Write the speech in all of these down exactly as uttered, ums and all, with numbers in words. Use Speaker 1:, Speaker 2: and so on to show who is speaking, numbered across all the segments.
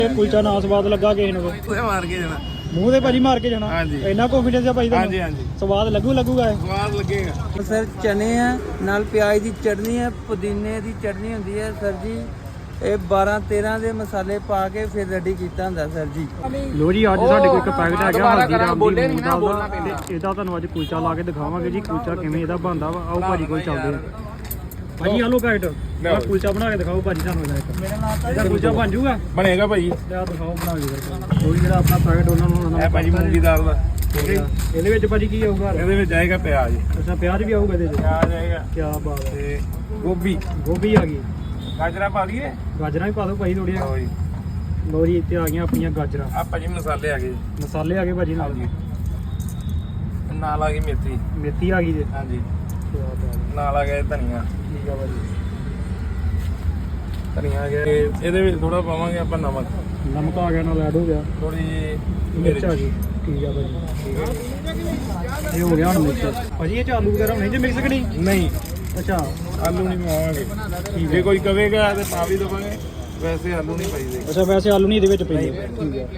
Speaker 1: ਕੁਲਚਾ ਨਾ ਸਵਾਦ ਲੱਗਾ ਕਿਸੇ ਨੂੰ
Speaker 2: ਉਹਦੇ ਮਾਰ ਕੇ ਜਾਣਾ
Speaker 1: ਮੂੰਹ ਤੇ ਭਾਜੀ ਮਾਰ ਕੇ ਜਾਣਾ।
Speaker 2: ਹਾਂਜੀ
Speaker 1: ਇੰਨਾ ਕੰਫੀਡੈਂਸ ਆ ਭਾਈ ਤੁਹਾਨੂੰ?
Speaker 2: ਹਾਂਜੀ ਹਾਂਜੀ
Speaker 1: ਸਵਾਦ ਲੱਗੂ ਲੱਗੂਗਾ ਇਹ?
Speaker 2: ਸਵਾਦ ਲੱਗੇਗਾ
Speaker 3: ਸਰ ਚਨੇ ਆ ਨਾਲ ਪਿਆਜ਼ ਦੀ ਚਟਨੀ ਹੈ, ਪੁਦੀਨੇ ਦੀ ਚਟਨੀ ਹੁੰਦੀ ਹੈ ਸਰ ਜੀ। ਇਹ ਬਾਰਾਂ ਤੇਰਾਂ ਦੇ ਮਸਾਲੇ ਪਾ ਕੇ ਫਿਰ ਰੈਡੀ ਕੀਤਾ ਹੁੰਦਾ ਸਰ ਜੀ।
Speaker 1: ਲੋ ਜੀ ਅੱਜ ਸਾਡੇ ਕੋਲ ਇੱਕ ਪੈਕਟ ਹੈਗਾ ਹਲਦੀਰਾਮ ਦੀ ਮੂੰਗ ਦਾਲ ਦਾ ਤੇ ਇਹਦਾ ਤੁਹਾਨੂੰ ਅੱਜ ਕੁਲਚਾ ਲਾ ਕੇ ਦਿਖਾਵਾਂਗੇ ਜੀ ਕੁਲਚਾ ਕਿਵੇਂ ਇਹਦਾ ਬਣਦਾ ਵਾ। ਆਓ ਭਾਜੀ ਕੋਲ ਚੱਲਦੇ ਆ। ਭਾਜੀ ਆਲੂ ਪੈਕਟ ਆ ਕੁਲਚਾ ਬਣਾ ਕੇ ਦਿਖਾਓ ਭਾਜੀ ਸਾਨੂੰ ਇਹਦਾ ਇੱਕ।
Speaker 3: ਮੇਰਾ ਨਾਮ
Speaker 1: ਇਹਦਾ ਕੁਲਚਾ ਬਣ ਜੂਗਾ?
Speaker 2: ਬਣੇਗਾ ਭਾਈ।
Speaker 1: ਲਿਆ ਦਿਖਾਓ ਬਣਾ ਕੇ ਫਿਰ। ਉਹ ਜਿਹੜਾ ਆਪਣਾ ਪੈਕਟ ਉਹਨਾਂ ਨੂੰ
Speaker 2: ਇਹ ਭਾਜੀ ਮੂੰਗੀ ਦਾਲ ਦਾ
Speaker 1: ਇਹਦੇ ਵਿੱਚ ਭਾਜੀ ਕੀ ਆਊਗਾ?
Speaker 2: ਇਹਦੇ ਵਿੱਚ ਆਏਗਾ ਪਿਆਜ਼।
Speaker 1: ਅੱਛਾ ਪਿਆਜ਼ ਵੀ ਆਊਗਾ ਇਹਦੇ ਵਿੱਚ?
Speaker 2: ਪਿਆਜ਼ ਆਏਗਾ
Speaker 1: ਕੀ ਬਾਤ ਹੈ।
Speaker 2: ਤੇ ਗੋਭੀ
Speaker 1: ਗੋਭੀ ਆ ਗਈ,
Speaker 2: ਗਾਜਰਾਂ ਪਾ ਲਈਏ?
Speaker 1: ਗਾਜਰਾਂ ਵੀ ਪਾ ਦਿਓ ਭਾਜੀ ਥੋੜੀਆਂ।
Speaker 2: ਲਓ ਜੀ
Speaker 1: ਲੋ ਜੀ ਇੱਥੇ ਆ ਗਈਆਂ ਆਪਣੀਆਂ ਗਾਜਰਾਂ।
Speaker 2: ਆ ਭਾਜੀ ਮਸਾਲੇ ਆ ਗਏ
Speaker 1: ਮਸਾਲੇ ਆ ਗਏ ਭਾਜੀ ਨਾਲ।
Speaker 2: ਹਾਂਜੀ ਨਾਲ ਆ ਗਈ ਮੇਥੀ।
Speaker 1: ਮੇਥੀ ਆ ਗਈ ਜੀ।
Speaker 2: ਹਾਂਜੀ
Speaker 1: ਕੀ ਬਾਤ ਹੈ।
Speaker 2: ਨਾਲ ਆ ਗਿਆ ਧਨੀਆ।
Speaker 1: ਠੀਕ ਆ ਭਾਜੀ।
Speaker 2: ਧਨੀਆ ਆ ਗਿਆ ਤੇ ਇਹਦੇ ਵਿੱਚ ਥੋੜਾ ਪਾਵਾਂਗੇ ਆਪਾਂ ਨਮਕ।
Speaker 1: ਨਮਕ ਆ ਗਿਆ ਨਾਲ ਐਡ ਹੋ ਗਿਆ।
Speaker 2: ਥੋੜੀ ਜਿਹੀ
Speaker 1: ਮਿਰਚ ਆ ਗਈ। ਠੀਕ ਆ ਭਾਜੀ। ਇਹ ਹੋ ਗਿਆ ਹੁਣ ਮਿਕਸ। ਭਾਜੀ ਇਹ ਚ ਆਲੂ ਵਗੈਰਾ ਨਹੀਂ ਜੇ ਮਿਕਸ ਕਿ ਨਹੀਂ?
Speaker 2: ਨਹੀਂ
Speaker 1: ਅੱਛਾ
Speaker 2: ਆਲੂ ਨਹੀਂ ਪਾਵਾਂਗੇ। ਜੇ ਕੋਈ ਕਵੇਗਾ ਤੇ ਪਾ ਵੀ ਦੇਵਾਂਗੇ, ਵੈਸੇ ਆਲੂ ਨਹੀਂ ਪਾਈਦੇ।
Speaker 1: ਅੱਛਾ ਵੈਸੇ ਆਲੂ ਨਹੀਂ ਇਹਦੇ ਵਿੱਚ ਪੈਂਦੇ। ਠੀਕ ਹੈ।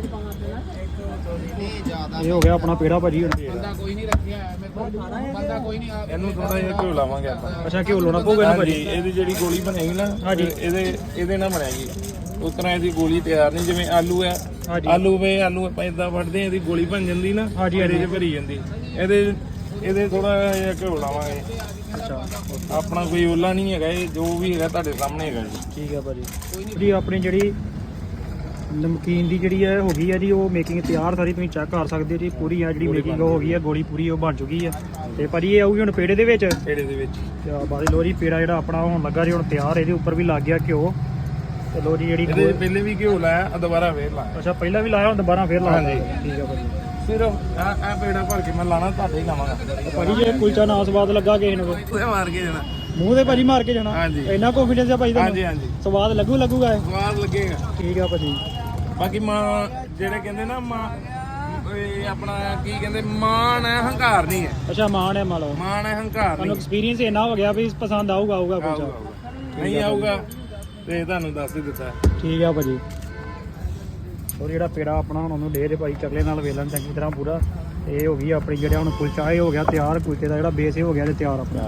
Speaker 1: ਇਹ ਹੋ ਗਿਆ ਆਪਣਾ ਪੇੜਾ ਭਾਜੀ ਹੁਣ।
Speaker 2: ਬੰਦਾ ਕੋਈ ਨਹੀਂ ਰੱਖਿਆ ਮੇਰੇ ਕੋਲ ਬੰਦਾ ਕੋਈ ਨਹੀਂ। ਇਹਨੂੰ ਥੋੜਾ ਜਿਹਾ ਘਿਓ ਲਾਵਾਂਗੇ ਆਪਾਂ।
Speaker 1: ਅੱਛਾ ਘਿਓ ਲਾਉਣਾ ਪਊਗਾ ਇਹਨੂੰ
Speaker 2: ਹਾਂਜੀ
Speaker 1: ਭਾਜੀ?
Speaker 2: ਇਹਦੀ ਜਿਹੜੀ ਗੋਲੀ ਬਣੇਗੀ ਨਾ
Speaker 1: ਹਾਂਜੀ।
Speaker 2: ਇਹਦੇ ਇਹਦੇ ਨਾਲ ਬਣੇਗੀ। ਉਸ ਤਰ੍ਹਾਂ ਇਹਦੀ ਗੋਲੀ ਤਿਆਰ ਨਹੀਂ ਜਿਵੇਂ ਆਲੂ ਹੈ।
Speaker 1: ਹਾਂਜੀ।
Speaker 2: ਆਲੂ ਵੇ ਆਲੂ ਆਪਾਂ ਇਦਾਂ ਵੱਢਦੇ ਇਹਦੀ ਗੋਲੀ ਬਣ ਜਾਂਦੀ ਨਾ।
Speaker 1: ਹਾਂਜੀ,
Speaker 2: ਇਹਦੇ
Speaker 1: ਹਾਂਜੀ।
Speaker 2: ਚ ਭਰੀ ਜਾਂਦੀ। ਇਹਦੇ ਇਹਦੇ ਥੋੜਾ ਜਿਹਾ ਘਿਓ ਲਾਵਾਂਗੇ।
Speaker 1: ਅੱਛਾ
Speaker 2: ਆਪਣਾ ਕੋਈ ਓਲਾ ਨਹੀਂ ਹੈਗਾ, ਇਹ ਜੋ ਵੀ ਹੈਗਾ ਤੁਹਾਡੇ ਸਾਹਮਣੇ ਹੈਗਾ ਜੀ।
Speaker 1: ਠੀਕ ਆ ਭਾਜੀ। ਜੀ ਆਪਣੀ ਜਿਹੜੀ ਨਮਕੀਨ ਦੀ ਜਿਹੜੀ ਹੈ ਹੋ ਗਈ ਹੈ ਜੀ, ਉਹ ਮੇਕਿੰਗ ਤਿਆਰ ਸਾਰੀ ਤੁਸੀਂ ਚੈੱਕ ਕਰ ਸਕਦੇ ਹੋ ਜੀ। ਪੂਰੀ ਆ ਜਿਹੜੀ ਮੇਕਿੰਗ ਹੋ ਗਈ ਹੈ, ਗੋਲੀ ਪੂਰੀ ਉਹ ਬਣ ਚੁੱਕੀ ਹੈ। ਤੇ ਭਾਜੀ ਇਹ ਆਊਗੀ ਹੁਣ ਪੇੜੇ ਦੇ ਵਿੱਚ।
Speaker 2: ਪੇੜੇ ਦੇ ਵਿੱਚ
Speaker 1: ਤੇ ਬਾਅਦ ਲੋ ਜੀ ਪੇੜਾ ਜਿਹੜਾ ਆਪਣਾ ਹੋਣ ਲੱਗਾ ਜੀ ਹੁਣ ਤਿਆਰ। ਇਹਦੇ ਉੱਪਰ ਵੀ ਲੱਗ ਗਿਆ ਘਿਓ। ਤੇ ਲੋ ਜੀ ਜਿਹੜੀ
Speaker 2: ਇਹਦੇ ਪਹਿਲੇ ਵੀ ਘਿਓ ਲਾਇਆ, ਦੁਬਾਰਾ ਫੇਰ ਲਾਇਆ।
Speaker 1: ਅੱਛਾ ਪਹਿਲਾਂ ਵੀ ਲਾਇਆ ਹੁਣ ਦੁਬਾਰਾ ਫੇਰ ਲਾ।
Speaker 2: ਹਾਂਜੀ।
Speaker 1: ਠੀਕ ਆ ਭਾਜੀ।
Speaker 2: ਸਿਰਫ ਆ ਆ ਪੇੜਾ ਭਰ ਕੇ ਮੈਂ ਲਾਣਾ ਤੁਹਾਡੇ ਹੀ ਲਾਵਾਂਗਾ।
Speaker 1: ਭਾਜੀ ਜੇ ਕੁਲਚਾ ਨਾ ਸਵਾਦ ਲੱਗਾ ਕਿਸੇ ਨੂੰ
Speaker 2: ਉਹਦੇ ਮਾਰ ਕੇ ਜਾਣਾ।
Speaker 1: ਮੂੰਹ ਤੇ ਭਾਜੀ ਮਾਰ ਕੇ ਜਾਣਾ।
Speaker 2: ਹਾਂਜੀ।
Speaker 1: ਇੰਨਾ ਕੰਫੀਡੈਂਸ ਆ ਭਾਜੀ ਤੁਹਾਨੂੰ?
Speaker 2: ਹਾਂਜੀ ਹਾਂਜੀ
Speaker 1: ਸਵਾਦ ਲੱਗੂ ਲੱਗੂਗਾ ਇਹ?
Speaker 2: ਸਵਾਦ ਲੱਗੇਗਾ।
Speaker 1: ਠੀਕ ਆ ਭਾਜੀ।
Speaker 2: ਬਾਕੀ ਮਾਂ ਜਿਹੜੇ ਕਹਿੰਦੇ ਨਾ ਮਾਂ ਇਹ ਆਪਣਾ ਕੀ ਕਹਿੰਦੇ ਮਾਣ ਹੈ, ਹੰਕਾਰ ਨਹੀਂ ਹੈ।
Speaker 1: ਅੱਛਾ ਮਾਣ ਹੈ ਮਾਲੋ।
Speaker 2: ਮਾਣ ਹੈ, ਹੰਕਾਰ
Speaker 1: ਤੁਹਾਨੂੰ
Speaker 2: ਨਹੀਂ।
Speaker 1: ਐਕਸਪੀਰੀਅੰਸ ਇੰਨਾ ਹੋ ਗਿਆ ਵੀ ਪਸੰਦ ਆਊਗਾ ਆਊਗਾ
Speaker 2: ਆਊਗਾ,
Speaker 1: ਕੁਲਚਾ।
Speaker 2: ਆਊਗਾ। ਨਹੀਂ ਆਊਗਾ ਤੇ ਤੁਹਾਨੂੰ ਦੱਸ ਹੀ ਦਿੱਤਾ।
Speaker 1: ਠੀਕ ਆ ਭਾਜੀ। ਔਰ ਜਿਹੜਾ ਪੇੜਾ ਆਪਣਾ ਹੁਣ ਉਹਨੂੰ ਡੇ ਦੇ ਭਾਈ ਚਕਲੇ ਨਾਲ ਵੇਲਣ ਚੰਗੀ ਤਰ੍ਹਾਂ ਪੂਰਾ। ਇਹ ਹੋ ਗਈ ਆਪਣੀ ਜਿਹੜਾ ਹੁਣ ਕੁਲਚਾ ਇਹ ਹੋ ਗਿਆ ਤਿਆਰ। ਕੁਲਚੇ ਦਾ ਜਿਹੜਾ ਬੇਸ ਇਹ ਹੋ ਗਿਆ ਤੇ ਤਿਆਰ ਆਪਣਾ।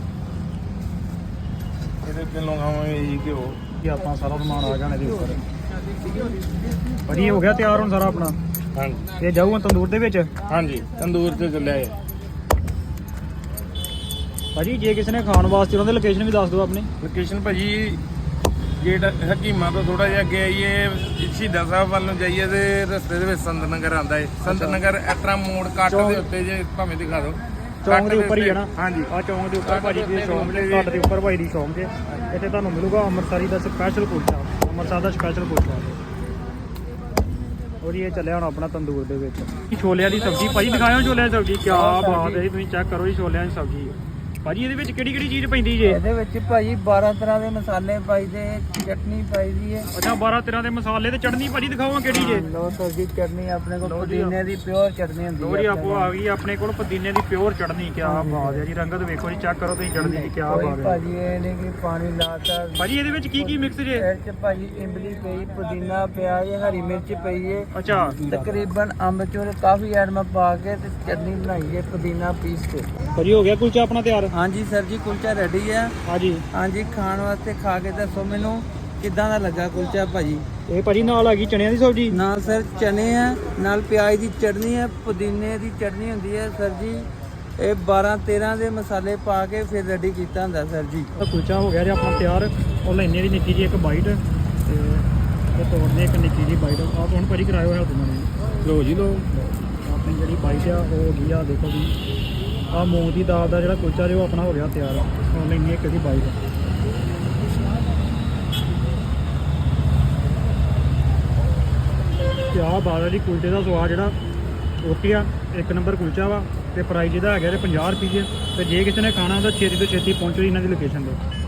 Speaker 2: ਇਹਦੇ ਤੇ ਲਗਾਵਾਂਗੇ ਜੀ ਘਿਓ।
Speaker 1: ਇਹ ਆਪਾਂ ਸਾਰਾ ਸਮਾਨ ਆ ਜਾਣਾ ਇਹਦੇ ਉੱਪਰ। ਭਾਜੀ ਹੋ ਗਿਆ ਤਿਆਰ ਹੁਣ ਸਾਰਾ ਆਪਣਾ।
Speaker 2: ਹਾਂਜੀ
Speaker 1: ਇਹ ਜਾਊਗਾ ਤੰਦੂਰ ਦੇ ਵਿੱਚ?
Speaker 2: ਹਾਂਜੀ ਤੰਦੂਰ ਤੇ ਚੱਲਿਆ ਹੈ
Speaker 1: ਭਾਜੀ। ਜੇ ਕਿਸੇ ਨੇ ਖਾਣ ਵਾਸਤੇ ਉਹਨਾਂ ਦੀ ਲੋਕੇਸ਼ਨ ਵੀ ਦੱਸ ਦਿਓ ਆਪਣੀ।
Speaker 2: ਲੋਕੇਸ਼ਨ ਭਾਜੀ ਗੇਟ ਹਕੀਮਾ ਤੋਂ ਥੋੜਾ ਜਿਹਾ ਅੱਗੇ ਆਈਏ, ਸ਼ਹੀਦਾਂ ਸਾਹਿਬ ਵੱਲ ਨੂੰ ਜਾਈਏ ਤੇ ਰਸਤੇ ਦੇ ਵਿੱਚ ਸੰਤ ਨਗਰ ਆਉਂਦਾ ਹੈ। ਸੰਤ ਨਗਰ ਐਟਰਾ ਮੋੜ ਕੱਟ ਦੇ ਉੱਤੇ ਜੇ ਭਾਵੇਂ ਦਿਖਾ ਦਿਓ।
Speaker 1: ਚੌਂਕ ਦੇ ਉੱਪਰ ਹੀ ਹੈ ਨਾ?
Speaker 2: ਹਾਂਜੀ
Speaker 1: ਆ ਚੌਂਕ ਦੇ ਉੱਪਰ ਭਾਜੀ ਦੀ ਸ਼ੌਪ ਦੇ ਘੱਟ ਦੇ ਉੱਪਰ ਭਾਈ ਦੀ ਸ਼ੌਪ ਤੇ ਇੱਥੇ ਤੁਹਾਨੂੰ ਮਿਲੂਗਾ ਅੰਮ੍ਰਿਤਸਰੀ ਦਾ ਸਪੈਸ਼ਲ ਕੁਲਚਾ। ਅੰਮ੍ਰਿਤਸਰ ਦਾ ਸਪੈਸ਼ਲ ਕੁਲਚਾ। ਔਰ ਇਹ ਚੱਲਿਆ ਹੁਣ ਆਪਣਾ ਤੰਦੂਰ ਦੇ ਵਿੱਚ। ਛੋਲਿਆਂ ਦੀ ਸਬਜ਼ੀ ਭਾਜੀ ਦਿਖਾਇਓ। ਛੋਲਿਆਂ ਦੀ ਸਬਜ਼ੀ ਕੀ ਬਾਤ ਹੈ ਜੀ। ਤੁਸੀਂ ਚੈੱਕ ਕਰੋ ਜੀ ਛੋਲਿਆਂ ਦੀ ਸਬਜ਼ੀ। ਭਾਜੀ ਇਹਦੇ ਵਿੱਚ ਕਿਹੜੀ ਕਿਹੜੀ ਚੀਜ਼ ਪੈਂਦੀ ਜੇ?
Speaker 3: ਇਹਦੇ ਵਿੱਚ ਭਾਜੀ ਬਾਰਾਂ ਤਰ੍ਹਾਂ ਦੇ ਮਸਾਲੇ ਪਾਈਦੇ, ਚਟਨੀ ਪਾਈਦੀ ਹੈ।
Speaker 1: ਅੱਛਾ ਬਾਰਾਂ ਤਰ੍ਹਾਂ ਦੇ ਮਸਾਲੇ ਤੇ ਚਟਨੀ ਭਾਜੀ ਦਿਖਾਓ ਕਿਹੜੀ ਜੇ?
Speaker 3: ਲੋ ਸਰ ਜੀ ਚਟਨੀ ਆਪਣੇ ਕੋਲ ਪੁਦੀਨੇ ਦੀ ਪਿਓਰ ਚਟਨੀ ਹੁੰਦੀ ਹੈ।
Speaker 1: ਲੋੜੀ ਆਪੋ ਆ ਗਈ ਆਪਣੇ ਕੋਲ ਪੁਦੀਨੇ ਦੀ ਪਿਓਰ ਚਟਨੀ। ਕੀ ਬਾਤ ਹੈ ਜੀ। ਰੰਗਤ ਵੇਖੋ ਜੀ, ਚੈੱਕ ਕਰੋ ਤੁਸੀਂ ਚਟਨੀ ਦੀ। ਕੀ ਬਾਤ ਹੈ
Speaker 3: ਭਾਜੀ। ਇਹ ਨਹੀਂ ਕਿ ਪਾਣੀ ਲਾਤਾ
Speaker 1: ਭਾਜੀ। ਇਹਦੇ ਵਿੱਚ ਕੀ ਕੀ ਮਿਕਸ ਜੇ?
Speaker 3: ਇਹ ਚ ਭਾਜੀ ਇਮਲੀ ਪਈ, ਪੁਦੀਨਾ ਪਿਆਜ਼, ਹਰੀ ਮਿਰਚ ਪਈ ਹੈ।
Speaker 1: ਅੱਛਾ
Speaker 3: ਤਕਰੀਬਨ ਅੰਬਚੂਰ ਕਾਫੀ ਐਟਮਾਂ ਪਾ ਕੇ ਤੇ ਚਟਨੀ ਬਣਾਈ ਹੈ ਪੁਦੀਨਾ ਪੀਸ ਕੇ।
Speaker 1: ਭਾਜੀ ਹੋ ਗਿਆ ਕੁਲਚਾ ਆਪਣਾ ਤਿਆਰ?
Speaker 3: ਹਾਂਜੀ ਸਰ ਜੀ ਕੁਲਚਾ ਰੈਡੀ ਹੈ।
Speaker 1: ਹਾਂਜੀ
Speaker 3: ਹਾਂਜੀ ਖਾਣ ਵਾਸਤੇ ਖਾ ਕੇ ਦੱਸੋ ਮੈਨੂੰ ਕਿੱਦਾਂ ਦਾ ਲੱਗਾ ਕੁਲਚਾ ਭਾਜੀ।
Speaker 1: ਇਹ ਭਾਜੀ ਨਾਲ ਆ ਗਈ ਚਣਿਆਂ ਦੀ ਸਬਜ਼ੀ।
Speaker 3: ਨਾਲ ਸਰ ਚਨੇ ਆ, ਨਾਲ ਪਿਆਜ਼ ਦੀ ਚਟਨੀ ਹੈ, ਪੁਦੀਨੇ ਦੀ ਚਟਨੀ ਹੁੰਦੀ ਹੈ ਸਰ ਜੀ। ਇਹ ਬਾਰਾਂ ਤੇਰਾਂ ਦੇ ਮਸਾਲੇ ਪਾ ਕੇ ਫਿਰ ਰੈਡੀ ਕੀਤਾ ਹੁੰਦਾ ਸਰ ਜੀ।
Speaker 1: ਕੁਲਚਾ ਹੋ ਗਿਆ ਜੀ ਆਪਣਾ ਤਿਆਰ। ਉਹ ਲੈਣੇ ਦੀ ਨਿੱਕੀ ਜੀ ਇੱਕ ਬਾਈਟ ਤੇ ਉਹ ਤੋੜਨੇ ਇੱਕ ਨਿੱਕੀ ਜੀ ਬਾਈਟ। ਆਪ ਹੁਣ ਭਾਜੀ ਕਰਾਇਓ ਹੈ ਉਹਨਾਂ ਨੇ।
Speaker 2: ਲੋ ਜੀ ਲੋ
Speaker 1: ਆਪਣੀ ਜਿਹੜੀ ਬਾਈਟ ਆ ਉਹ ਹੋ ਗਈ ਆ। ਦੇਖੋ ਜੀ ਆ ਮੂੰਗ ਦੀ ਦਾਲ ਦਾ ਜਿਹੜਾ ਕੁਲਚਾ ਜੋ ਆਪਣਾ ਹੋ ਗਿਆ ਤਿਆਰ। ਹੁਣ ਲੈਣੀ ਇੱਕ ਦੀ ਬਾਈਟ। ਕਿਆ ਬਾਤ ਹੈ ਜੀ। ਕੁਲਚੇ ਦਾ ਸਵਾਦ ਜਿਹੜਾ ਓਕੇ ਆ। ਇੱਕ ਨੰਬਰ ਕੁਲਚਾ ਵਾ। ਤੇ ਪ੍ਰਾਈਸ ਇਹਦਾ ਹੈਗਾ ਤੇ ਪੰਜਾਹ ਰੁਪਏ। ਤੇ ਜੇ ਕਿਸੇ ਨੇ ਖਾਣਾ ਤਾਂ ਛੇਤੀ ਤੋਂ ਛੇਤੀ ਪਹੁੰਚੋ ਜੀ ਇਹਨਾਂ ਦੀ ਲੋਕੇਸ਼ਨ 'ਤੇ।